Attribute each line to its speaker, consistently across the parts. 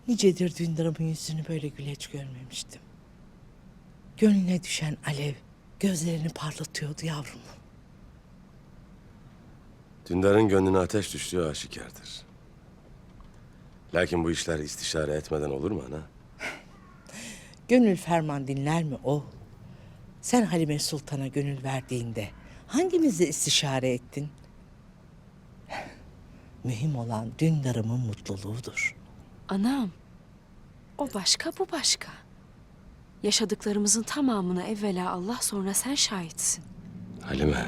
Speaker 1: Nicedir Dündar'ımın yüzünü böyle güleç görmemiştim. Gönlüne düşen alev gözlerini parlatıyordu yavrumun.
Speaker 2: Dündar'ın gönlüne ateş düştüğü aşikardır. Lakin bu işler istişare etmeden olur mu ana?
Speaker 1: Gönül ferman dinler mi o? Sen Halime Sultan'a gönül verdiğinde hangimizi istişare ettin? Mühim olan Dündar'ımın mutluluğudur.
Speaker 3: Anam, o başka bu başka. Yaşadıklarımızın tamamına evvela Allah sonra sen şahitsin.
Speaker 2: Halime.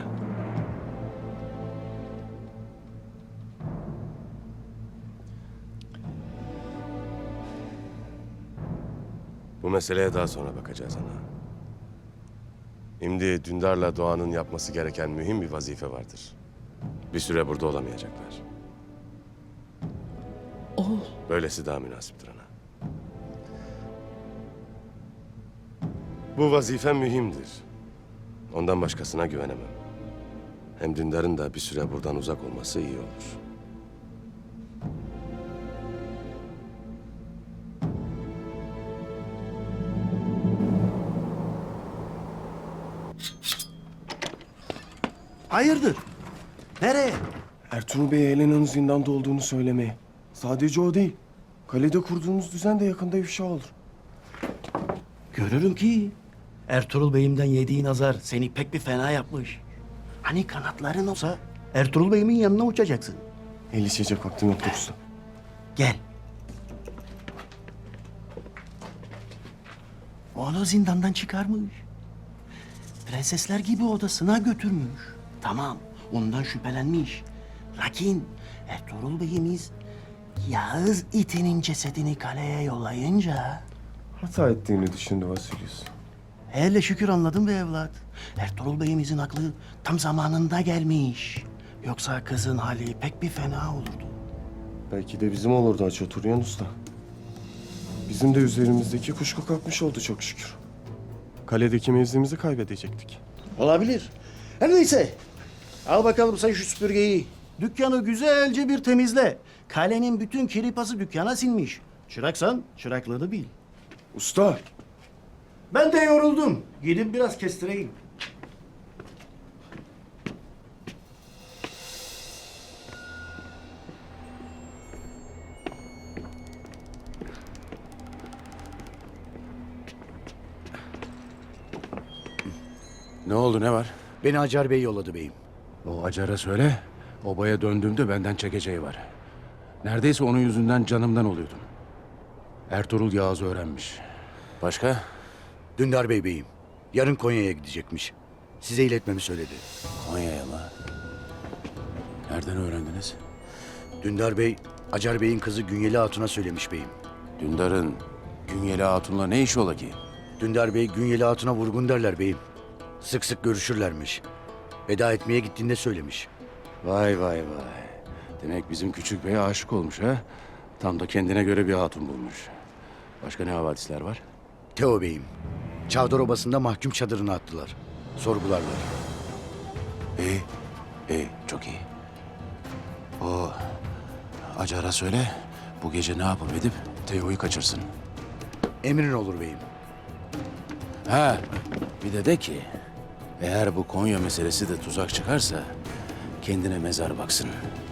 Speaker 2: Bu meseleye daha sonra bakacağız ana. Şimdi Dündar'la Doğan'ın yapması gereken mühim bir vazife vardır. Bir süre burada olamayacaklar.
Speaker 1: Oğul,
Speaker 2: Böylesi daha münasiptir ana. Bu vazife mühimdir. Ondan başkasına güvenemem. Hem Dündar'ın da bir süre buradan uzak olması iyi olur.
Speaker 4: Hayırdır? Nereye?
Speaker 5: Ertuğrul Bey Helena'nın zindanda olduğunu söylemeyi. Sadece o değil. Kalede kurduğunuz düzen de yakında ifşa olur.
Speaker 4: Görürüm ki Ertuğrul Bey'imden yediğin azar seni pek bir fena yapmış. Hani kanatların olsa Ertuğrul Bey'imin yanına uçacaksın.
Speaker 5: El içecek vaktim yok usta.
Speaker 4: Gel. Onu zindandan çıkarmış. Prensesler gibi odasına götürmüş. Tamam, ondan şüphelenmiş. Lakin Ertuğrul Bey'imiz Yağız itinin cesedini kaleye yollayınca...
Speaker 5: Hata ettiğini düşündü Vasilius.
Speaker 4: Hele şükür anladım be evlat. Ertuğrul Bey'imizin aklı tam zamanında gelmiş. Yoksa kızın hali pek bir fena olurdu.
Speaker 5: Belki de bizim olurdu Hacı Turyan Usta. Bizim de üzerimizdeki kuşku kalkmış oldu çok şükür. Kaledeki mevzimizi kaybedecektik.
Speaker 4: Olabilir. Her neyse. Al bakalım sen şu süpürgeyi. Dükkanı güzelce bir temizle. Kalenin bütün kiri pası dükkana sinmiş. Çıraksan çıraklığını bil.
Speaker 5: Usta!
Speaker 4: Ben de yoruldum. Gidip biraz kestireyim.
Speaker 6: Ne oldu, ne var?
Speaker 7: Beni Acar Bey yolladı beyim.
Speaker 6: O Acar'a söyle, obaya döndüğümde benden çekeceği var. Neredeyse onun yüzünden canımdan oluyordum. Ertuğrul Yağız'ı öğrenmiş. Başka?
Speaker 7: Dündar Bey beyim. Yarın Konya'ya gidecekmiş. Size iletmemi söyledi.
Speaker 6: Konya'ya mı? Nereden öğrendiniz?
Speaker 7: Dündar Bey, Acar Bey'in kızı Günyeli Hatun'a söylemiş beyim.
Speaker 6: Dündar'ın Günyeli Hatun'la ne işi ola ki?
Speaker 7: Dündar Bey, Günyeli Hatun'a vurgun derler beyim. Sık sık görüşürlermiş. Veda etmeye gittiğinde söylemiş.
Speaker 6: Vay vay vay. Demek bizim küçük beye aşık olmuş ha? Tam da kendine göre bir hatun bulmuş. Başka ne havadisler var?
Speaker 7: Teo beyim. Çavdar Obası'nda mahkum çadırına attılar. Sorgularlar.
Speaker 6: İyi, iyi, çok iyi. O Acar'a söyle, bu gece ne yapıp edip Teo'yu kaçırsın.
Speaker 7: Emrin olur beyim.
Speaker 6: Ha, bir de ki, eğer bu Konya meselesi de tuzak çıkarsa kendine mezar baksın.